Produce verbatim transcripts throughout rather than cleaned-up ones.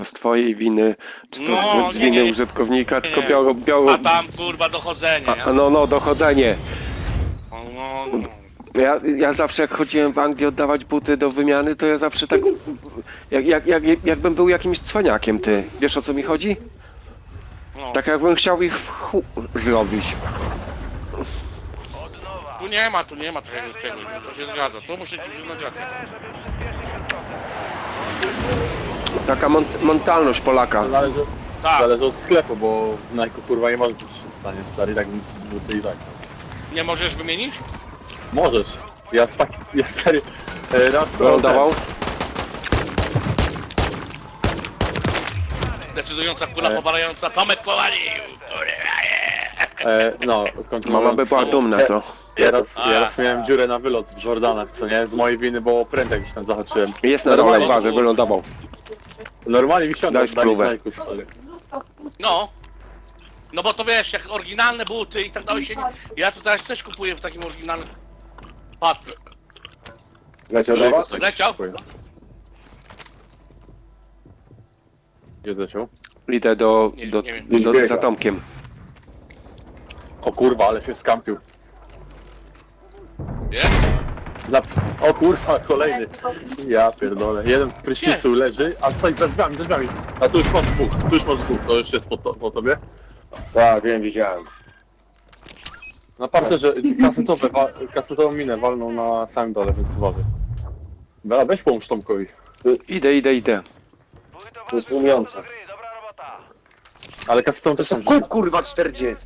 z twojej winy, czy to No, z nie, winy nie, nie. użytkownika, tylko Nie. biało, biało... A tam kurwa dochodzenie, A, nie? a no, no, dochodzenie. No, no, no. Ja, ja zawsze jak chodziłem w Anglii oddawać buty do wymiany, to ja zawsze tak... Jak, jak, jak, jakbym był jakimś cwaniakiem, ty. Wiesz, o co mi chodzi? no. Tak jakbym chciał ich w chu... zrobić. Tu nie ma, tu nie ma takiego czegoś, to się zgadza. Tu muszę ci przyznać rację. Taka mon mentalność Polaka. Zależy, Tak, zależy od sklepu, bo w Nike kurwa nie możesz coś się stanie, stary, tak buty i tak. nie możesz wymienić? Możesz. Ja spak... ja stary... e, Raz Wylądował. Decydująca kula E. powalająca, Tomek powalił! e, No, kontynuując. Mama by była dumna, co? Ja raz, A. ja raz miałem dziurę na wylot w Jordanach, co nie? Z mojej winy, bo prędek gdzieś tam zahaczyłem. Jest na dole, Normalnie- uważaj, wylądował. Normalnie mi siąda Daj spróbę. stary. No. No bo to wiesz, jak oryginalne buty i tak dalej się nie... Ja tu teraz też kupuję w takim oryginalnym... Patrz, Leciał do was? leciał? Gdzie zleciał? Idę do, Nie, do, nie wiem. do, Biega. za Tomkiem. O kurwa, ale się skampił. Wiesz? Za... O kurwa, kolejny. Ja pierdolę. Jeden w prysznicu leży, a stoi za drzwiami, za drzwiami. A tu już masz dwóch, tu już masz dwóch, to już jest po, to, po tobie. Tak, wiem, widziałem. Na parcerze kasetowe, wa- kasetową minę walną na samym dole, więc uważaj. Bela, weź pomóż Tomkowi. Idę, idę, idę. To jest tłumiące. Ale kasetową To też są tam kup kurwa czterdzieści.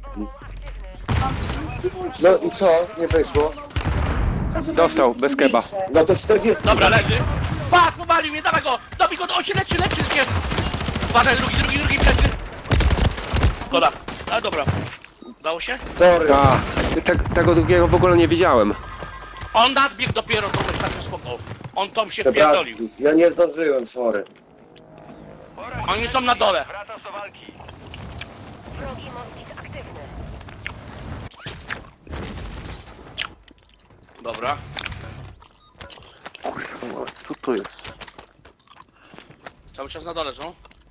No i co? Nie wyszło? Dostał, bez keba. No to czterdzieści. Dobra, leży. Patrz, powalił mnie, dawaj go! Dobij go, on się leczy, leczy, jest! Uważaj, drugi, drugi, drugi, plecy! Szkoda. A dobra. Udało się? Sorry. A, te, tego drugiego w ogóle nie widziałem. On nadbiegł dopiero, to myśl, tak spoko. On tam się Przepraszam. wpierdolił. Ja nie zdążyłem, sorry. Oni są na dole. Wrogi moskit aktywny. Dobra. Kurwa, co to jest? Cały czas na dole są.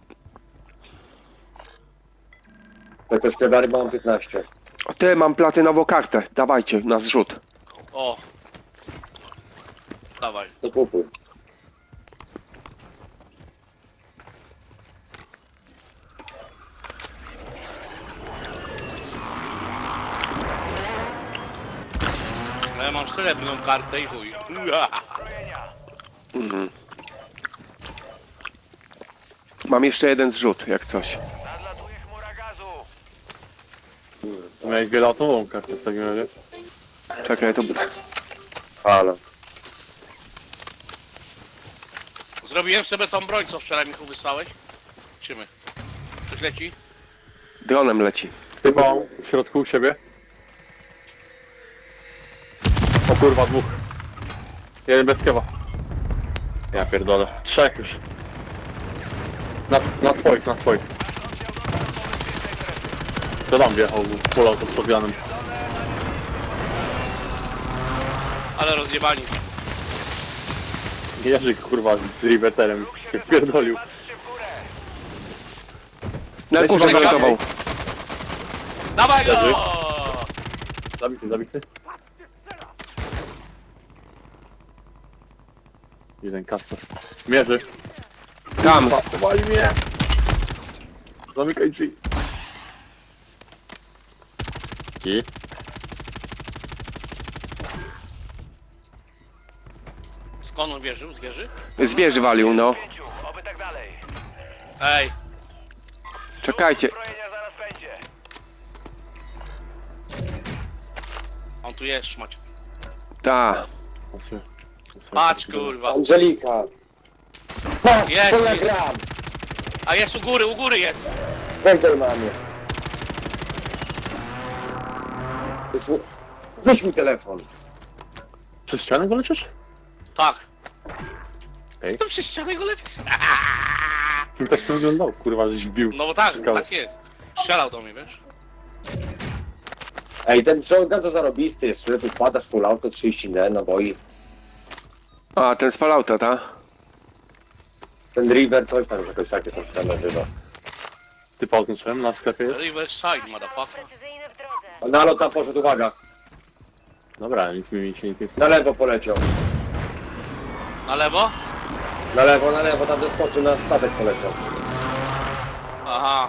To też pedary mam piętnaście. O, ty, mam platynową kartę. Dawajcie, na zrzut. O. Dawaj. To kupuj. No ja mam srebrną kartę i chuj. Mhm. Mam jeszcze jeden zrzut, jak coś. Miałeś wieloatomową kartę w takim razie. Czekaj, to... Halo. Zrobiłem sobie tą broń, co wczoraj Michu wysłałeś. Czymy. Coś leci? Dronem leci. Chyba w środku u siebie. O kurwa, dwóch. Jeden bez kewa. Ja pierdolę. Trzech już. Na, na swoich, na swoich. To tam wjechał, polał to z podwianem. Ale rozjebani. Jerzyk kurwa z riveterem się wpierdolił. Na Leci górze na wylądował. Dawaj go! Leży. Zabity, zabity. Jeden kasper. Mierzy. Tam. Powali mnie! Zamykaj drzwi. I? Skąd on wierzył? Z wieży? Z wieży walił, no. Ej, Czekajcie. on tu jest, szmać. Ta. Patrz kurwa. Angelika. Patrz, Jest, telegram. A jest u góry, u góry jest. Weź daj mamie. Jest mi- Weź mi telefon. Przez ścianę go leczysz? Tak. Ej. To przez ścianę go lecisz. Kim tak to wyglądał? Kurwa, żeś wbił. No bo tak, Skałę. tak jest. Strzelał do mnie, wiesz? Ej, ten shotgun to zarobisty jest, że tu wpadasz full auto trzydzieści N, naboi. A, ten z Fallouta, ta? Ten River coś tam, jakoś takie tam się nazywa. Typa oznaczyłem na sklepie jest? Riverside, motherfucker. Precyzyjny w drodze. A nalot tam poszedł, uwaga. Dobra, nic mi się nic nie Na stało. lewo poleciał. Na lewo? Na lewo, na lewo, tam zeskoczył, na statek poleciał. Aha.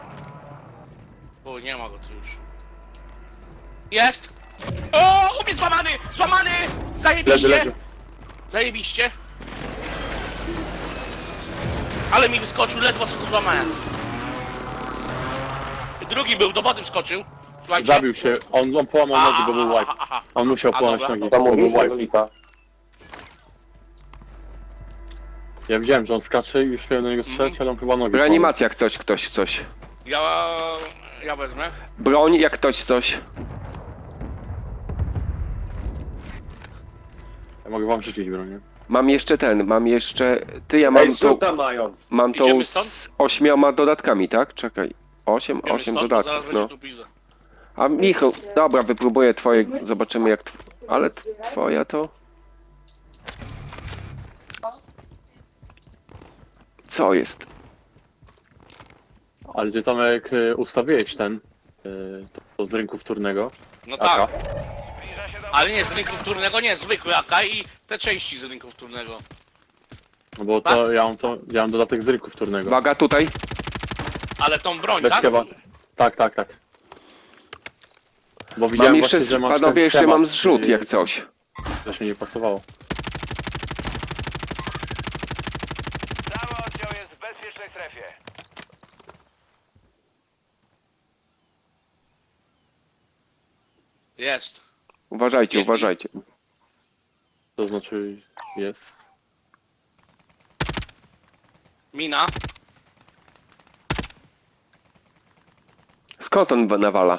O, nie ma go tu już. Jest! O, u mnie złamany! Złamany! Leży, Zajebiście! leży. Zajebiście! Ale mi wyskoczył, ledwo co go złamałem. Drugi był, do wody wskoczył. Słuchajcie. Zabił się, on, on połamał A, nogi, bo był a, wipe. a, a, a. On musiał A, połamać dobra. nogi, To bo był mówisz, wipe. Azulika. Ja widziałem, że on skacze i już miałem do niego strzelać, ale on chyba nogi połamał. Reanimacja jak coś, ktoś coś. Ja... ja wezmę. Broń jak ktoś coś. Ja mogę wam rzucić bronię. Mam jeszcze ten, mam jeszcze... Ty, ja mam Ej, tą... suta mają. Mam tą Idziemy stąd? z ośmioma dodatkami, tak? Czekaj. Osiem, Wiemy osiem stąd, bo zaraz dodatków, będzie no. tu pizza. A Michał, dobra, wypróbuję twoje, zobaczymy jak... tw- Ale t- twoja to... Co jest? Ale ty Tomek y, ustawiłeś ten, y, to, to z rynku wtórnego. No Aka. tak. Ale nie, z rynku wtórnego nie, zwykły A K i te części z rynku wtórnego. No bo to ja mam to, ja mam dodatek z rynku wtórnego. Uwaga, tutaj. Ale tą broń, Bez tak? kewa. Tak, tak, tak. Bo Mam widziałem jeszcze, właśnie, że masz panowie, ten jeszcze schemat, mam zrzut y, jak coś. To się nie pasowało. Cały oddział jest w bezpiecznej strefie. Jest. Uważajcie, Jedni. uważajcie. To znaczy jest. Mina. Skąd on nawala?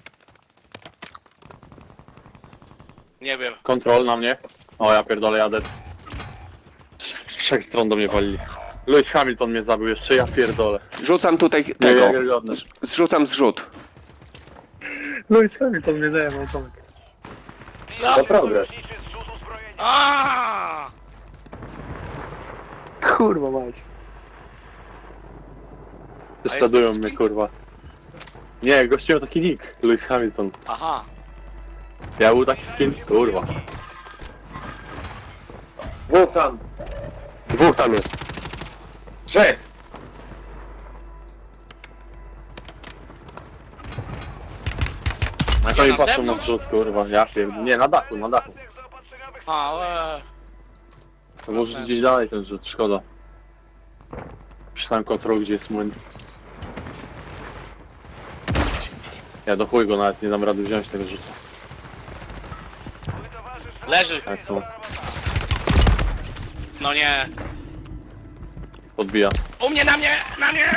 Nie wiem. Kontrol na mnie. O ja pierdolę, jadę. Z trzech stron do mnie walili. Lewis Hamilton mnie zabił jeszcze, ja pierdolę. Rzucam tutaj Nie, tego. Niewiarygodne. Zrzucam zrzut. Lewis Hamilton mnie zajebał, Tomek. To progres. Liczy zrzut uzbrojenia. A! Kurwa mać. A jest Prześladują taki mnie, skin? kurwa. Nie, gościu miał taki nick. Lewis Hamilton. Aha. Ja był taki skin, kurwa. Dwóch tam. Dwóch tam jest. Trzech. Na Nie, to mi na patrzą na zewnątrz? zrzut, kurwa. Ja pierdolę. Nie, na dachu, na dachu. A, e, To może sensu. gdzieś dalej ten rzut, szkoda. Przy samym kontrolu, gdzie jest młyn. Ja do chuj go nawet nie dam rady wziąć tego rzutu. leży. Tak są. No nie. Podbija. U mnie, na mnie, na mnie!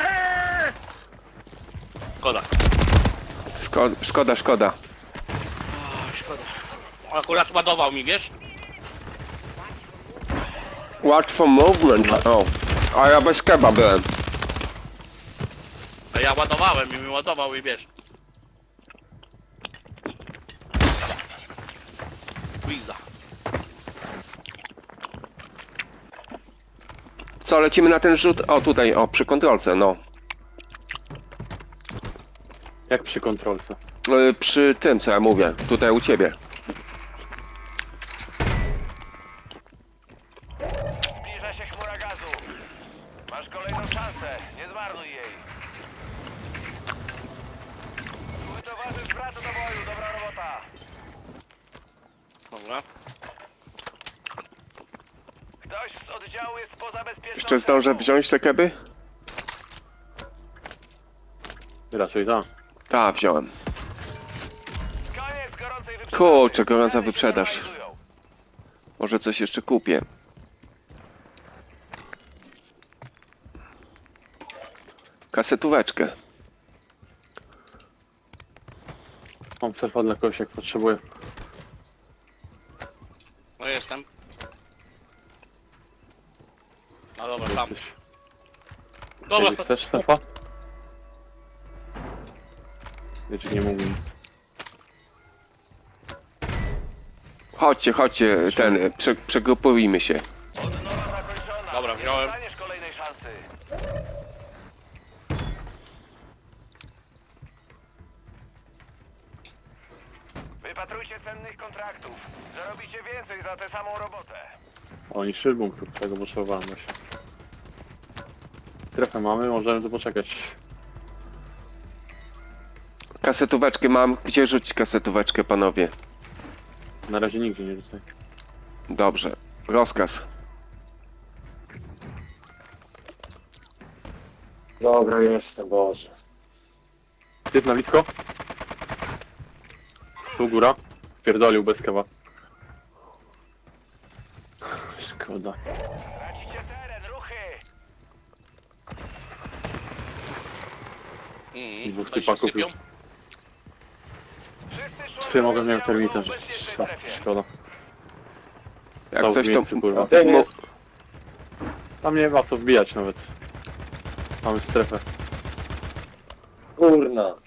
Szkoda. Szkoda, szkoda, szkoda. O, szkoda. Akurat ładował mi, wiesz? Łatwo movement. O. A ja bez keba byłem. A ja ładowałem i mi ładował i wiesz. Pizza. Co, lecimy na ten rzut? O, tutaj, o, przy kontrolce, no. Jak przy kontrolce. Y, Przy tym, co ja mówię. Tutaj u ciebie. Zbliża się chmura gazu. Masz kolejną szansę. Nie zmarnuj jej. Twój towarzysz wraca do boju. Dobra robota. Dobra. Ktoś z oddziału jest poza bezpieczną Jeszcze zdążę strefą. wziąć te keby? Raczej tak. Tak, wziąłem. Koniec gorącej wyprzedaży. Kurczę, gorąca Ceny się wyprzedaż. normalizują. Może coś jeszcze kupię. Kasetóweczkę. Mam surfa dla kogoś jak potrzebuję. No jestem. No dobra, tam. Jesteś. Dobra, Jeżeli to... chcesz surfa? Wiecie, nie mógł nic. Chodźcie, chodźcie, ten, prze, przegrupujmy się. Odnowa zakończona. Dobra, wziąłem. Zostaniesz wypatrujcie cennych kontraktów. Zarobicie więcej za tę samą robotę. Oni szybą, tego potrzebowałem właśnie. Strefę mamy, możemy tu poczekać. Kasetóweczkę mam. Gdzie rzucić kasetóweczkę, panowie? Na razie nigdzie nie rzucaj. Dobrze. Rozkaz. Dobra, jestem, Boże. Typ na blisko? Tu góra. Pierdolił bez kewa. Szkoda. Tracicie teren, ruchy! Mm, Dwóch tutaj się typaków sypią. już. Wszyscy Psy mogę mieć oddziału termita w rzucić. bezpiecznej Szko- strefie. Szkoda. Jak Stał w coś to... miejscu, kurwa. Ten Mo- jest. Tam nie ma co wbijać nawet. Mamy strefę. Kurna.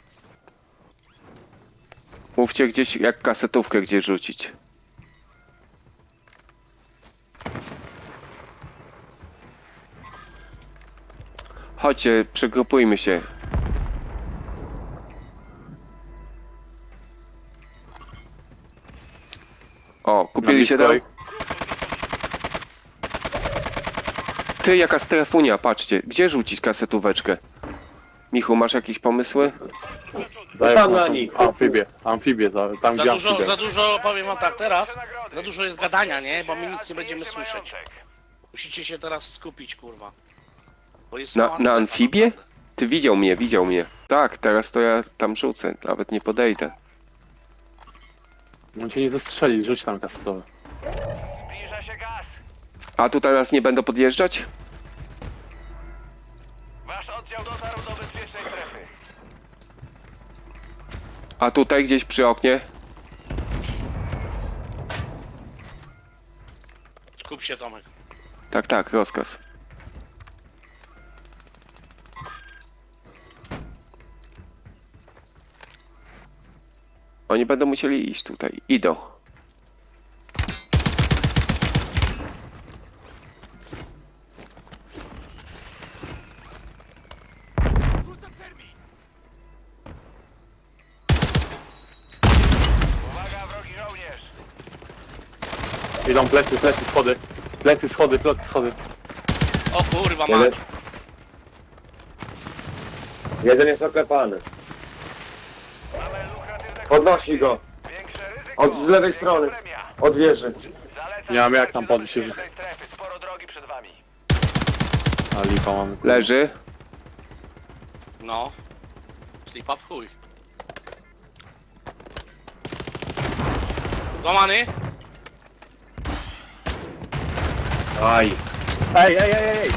Mówcie gdzieś, jak kasetówkę gdzie rzucić. Chodźcie, przegrupujmy się. O, Na kupili się blisko tam? ich. Ty, jaka strefunia, patrzcie. Gdzie rzucić kasetóweczkę? Michu, masz jakieś pomysły? Zajeb Tam na naszą nich. Amfibię. Amfibię, za, tam Za gdzie dużo, amfibia. za dużo, powiem wam tak, teraz za dużo jest gadania, nie? Bo my nic nie będziemy słyszeć. Musicie się teraz skupić, kurwa. Bo jest Na, mała na strefa, amfibię? naprawdę. Ty widział mnie, widział mnie. Tak, teraz to ja tam rzucę, nawet nie podejdę. On cię nie zestrzeli, rzuć tam kasetowe. Zbliża się gaz. A tu teraz nie będę podjeżdżać? Wasz oddział dotarł do bezpiecznej strefy. A tutaj gdzieś przy oknie? Skup się, Tomek. Tak, tak, rozkaz. Oni będą musieli iść tutaj. Idą. Uwaga, wrogi żołnierz. Idą plecy, plecy, schody. Plecy, schody, plecy, schody. O kurwa, Jeden, mać. jeden jest oklepany. Mamy lukratywne Podnosi go. Większe ryzyko. Od z lewej większa strony. premia. Od wieży. Zalecam Nie mam jak tam do podnieść się. bezpiecznej strefy. Sporo drogi przed wami. A lipa mamy. kurwa. Leży. No. Slipa w chuj. Złamany? Aj. Ej, ej, ej, ej!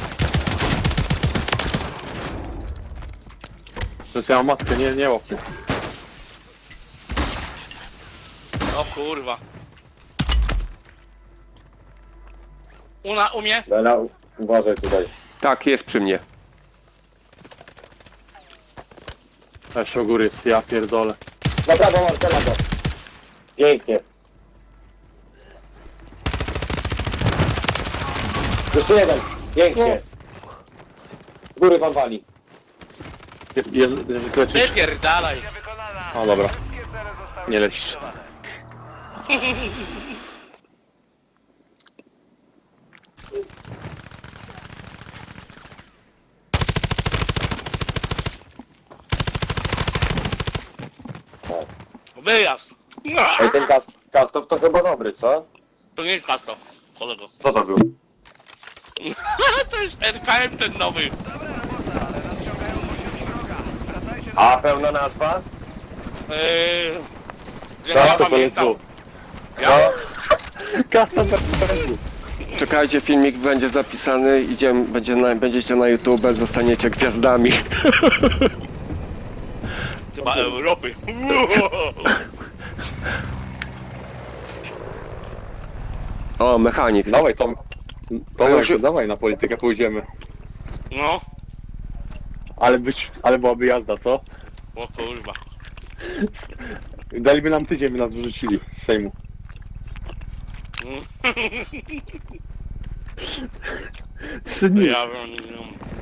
Przecież ja mam maskę, nie, nie łap mnie. O kurwa. Una, u mnie? Bela, uważaj tutaj. Tak, jest przy mnie. Jeszcze u góry jest, ja pierdolę. Na prawo, Marcela go. Pięknie. Jeszcze jeden. Pięknie. Z góry wam wali. Je, je, je, kleczyk. Wypierdalaj. Misja wykonana. O, dobra. Wszystkie cele zostały Nie leć. zlikwidowane. Wyjazd. Ej, ten kas kastow to chyba dobry, co? To nie jest kasto, kolego. Co to był? To jest R K M ten nowy. A, pełna nazwa? Eee... Ja Tak, nie To pamiętam. jest Ja? Kasa na pewno. Czekajcie, filmik będzie zapisany. Idziemy, będzie na, będziecie na YouTube, zostaniecie gwiazdami. Chyba Europy. O, mechanik. Dawaj Tom. Tomek, już- dawaj na politykę pójdziemy. No. Ale być, ale byłaby jazda, co? O kurwa. Daliby nam tydzień, by nas wyrzucili z Sejmu. Mm. Trzy dni. Ja wiem, nie wiem.